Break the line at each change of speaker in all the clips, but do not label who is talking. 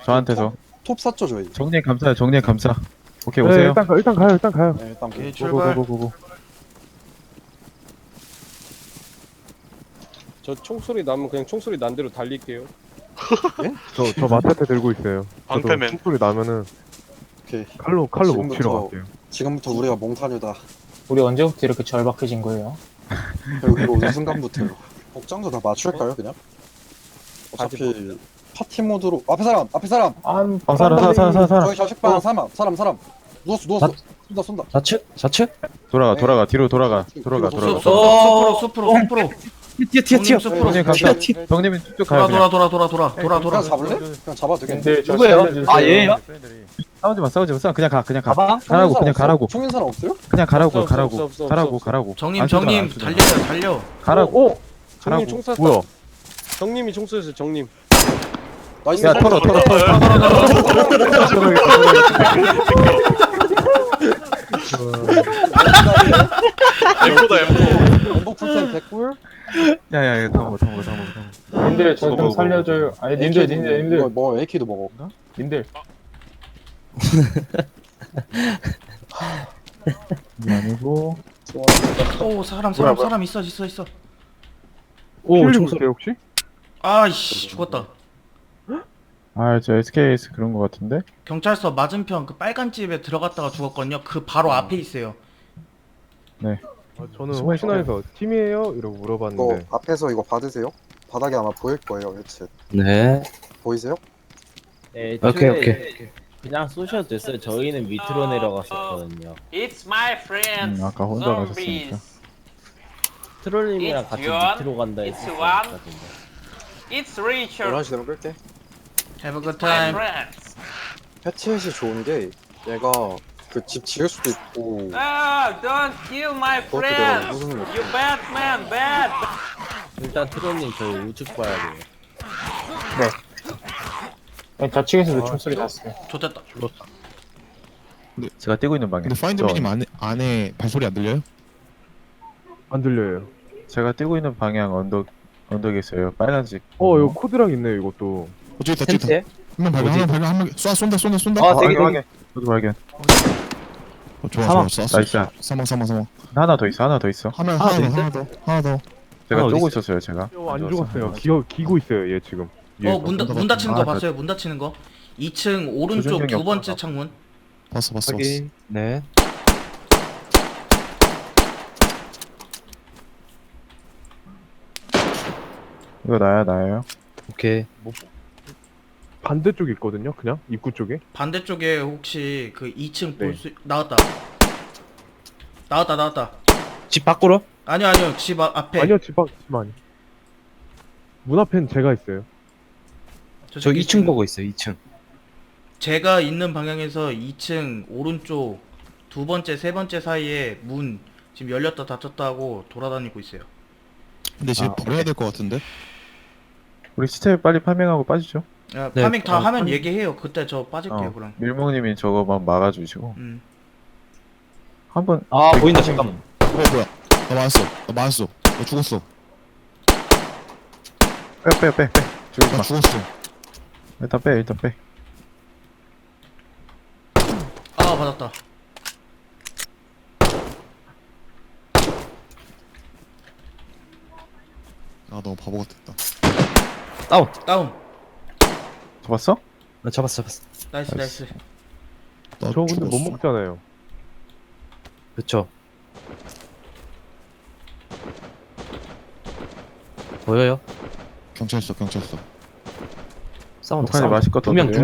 저한테서.
톱 샀죠 저희.
정리해 감사해요. 정리해 감사. 오케이
네,
오세요.
일단 가요.
네, 일단 그
오케이 출발.
고고고고고.
저 총소리 나면 그냥 총소리 난 대로 달릴게요.
저 마테테 들고 있어요. 저도
방패맨.
총소리 나면은
오케이.
칼로 목 치러
지금부터-
갈게요.
지금부터 우리가 몽타뉴다.
우리 언제부터 이렇게 절박해진 거예요?
여기로 오는 순간부터요. 복장도 다 맞출까요 그냥? 어차피 파티 모드로 앞에 사람
안
사람.
저기 좌식방 사람 누웠어 쏜다
좌측?
돌아가 뒤로 돌아가.
숲으로.
튀어.
정리해 감사. 정리면 쭉 가요. 그냥.
그냥 잡을래? 그냥 잡아도 되겠네.
근데 저
누구예요?
살려주세요.
아, 얘예요?
싸우지 마. 그냥 가.
가방?
가라고.
총인 사람 없어요?
그냥 가라고.
없어.
정님
안 쏘잖아,
정님
안 쏘잖아.
달려.
가라고.
정님 총 쐈다.
뭐야?
정님이 총 쏘였어요. 정님.
나이스.
야 털어.
M보다 M.
원복 풀템 개꿀.
야야야 담어.
님들 저 좀 살려줘요. 아니 님들
이거 뭐 AK도 먹어.
님들
아니고.
오 사람 있어.
오, 총소리 혹시?
아이씨 죽었다.
저 SKS 그런 거 같은데.
경찰서 맞은편 그 빨간 집에 들어갔다가 죽었거든요. 그 바로 앞에 있어요.
저는 혹시나 해서 팀이에요? 이러고
이거
물어봤는데
앞에서 이거 받으세요. 바닥에 아마 보일 거예요. 해치
네.
보이세요?
네,
오케이.
그냥 쏘셔도 됐어요. 저희는 밑으로 내려갔었거든요.
It's my friends.
아까 혼자
zombies.
가셨으니까.
트롤님이랑 같이
John,
밑으로 간다
it's
했었거든요.
It's Richard.
11시 되면 끌게.
Have a good
My
time.
friends.
해치햇이 좋은 게 얘가 그 집 지을 수도 있고
Oh, don't kill my
그것도 내가
friends.
무슨 거
You bad man, bad.
일단 트롤님 저희 우측 봐야 돼요.
좌측에서도 총소리 났어요.
좋됐다.
제가 뛰고 있는 방향.
근데 파인드맨님 안에 발소리 안 들려요?
안 들려요.
제가 뛰고 있는 방향 언덕에 있어요. 빨간색.
이거 코드랑 있네요, 이것도.
저기 있다.
텐트에?
한명 발견. 한명 쏜다.
아, 되게.
저도 발견.
좋아. 쐈어.
나이스.
사망.
하나 더 있어.
하나 더.
제가
하나
쪼고
어디
있었어요. 제가.
안 죽었어요. 기고 있어요, 얘 지금.
문 닫히는 거
아,
봤어요? 문 닫히는 거. 2층 오른쪽
조준경이
두 번째
없어서.
창문.
봤어.
확인. 네.
이거 나예요.
오케이.
반대쪽에 있거든요, 그냥 입구 쪽에.
반대쪽에 혹시 그 2층
네.
볼 수 나왔다.
집 밖으로?
아니요 집 앞에.
아니요, 집 아니. 문 앞엔 제가 있어요.
저 2층 보고 있어요. 2층.
제가 있는 방향에서 2층 오른쪽 두 번째 세 번째 사이에 문 지금 열렸다 닫혔다 하고 돌아다니고 있어요.
근데 지금 버려야 될 것 같은데.
우리 스텝 빨리 파밍하고 빠지죠.
야,
네,
파밍 다 하면 얘기해요. 그때 저 빠질게요 그럼.
밀몽님이 저거만 막아주시고 한번.
아, 보인다. 잠깐만.
뭐야? 나 맞았어. 나 죽었어.
빼. 죽이지
나
마.
죽었어.
일단 빼.
아 맞았다.
아 너무 바보 같았다.
다운.
잡았어?
나 잡았어.
나이스.
나
저 근데
죽었어.
못 먹잖아요.
그쵸. 보여요?
경찰서.
싸운다.
북한이 맛있 것
두 명.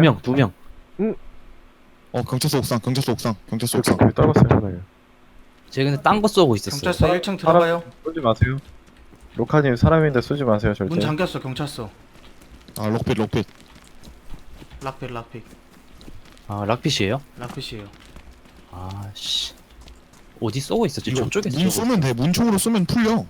경찰서 옥상.
왜 떨궜어요?
쟤 근데 딴 거 쏘고 있었어요.
경찰서 1층 들어가요.
쏘지 마세요. 로카님 사람인데 쏘지 마세요 절대.
문 잠겼어 경찰서.
아 록핏.
락픽.
아, 락핏이에요?
락핏이에요.
아, 씨. 어디 쏘고 있었지?
이거
저쪽에
문 쏘면 돼. 문총으로 쏘면 풀려.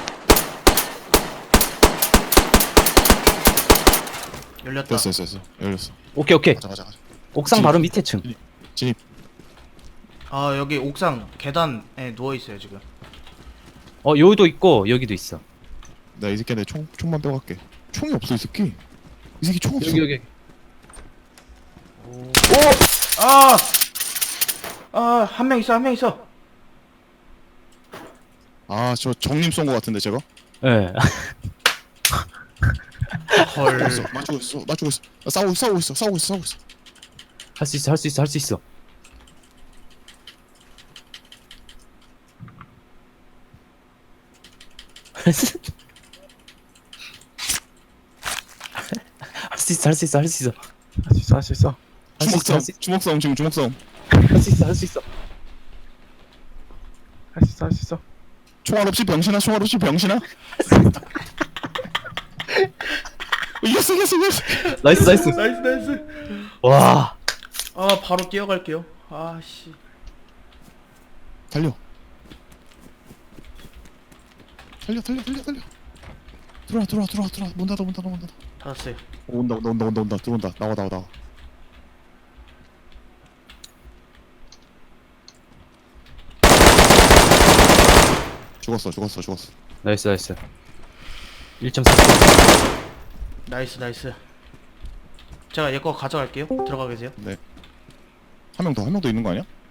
열렸다.
됐어. 열렸어.
오케이.
가자.
옥상
진입.
바로 밑에 층.
진입.
아 여기 옥상 계단에 누워 있어요 지금.
여기도 있고 여기도 있어.
나 이 새끼 내 총만 빼고 갈게. 총이 없어 이 새끼. 이 새끼 총 없어.
여기.
한 명 있어, 한 명 있어.
아, 저 정님 쏜 거 같은데 제가?
예.
헐.
맞추고 있어. 나 싸우고 있어.
할 수 있어, 할 수 있어, 할 수 있어. 할 수 있어, 할 수 있어, 할 수 있어.
할 수 있어.
할 수 있어, 할 수 있어,
주먹 싸움 지금 주먹 싸움.
할 수 있어, 할 수 있어.
할 수 있어.
총알 없이 병신아. 이겼어.
나이스, 나이스.
나이스.
와.
바로 뛰어갈게요. 씨.
달려. 들어와. 문 닫아.
닫았어요.
온다. 들어온다. 나와. 죽었어.
나이스, 나이스. 1.4.
나이스. 제가 얘 거 가져갈게요. 들어가 계세요.
한 명 더 있는 거 아니야?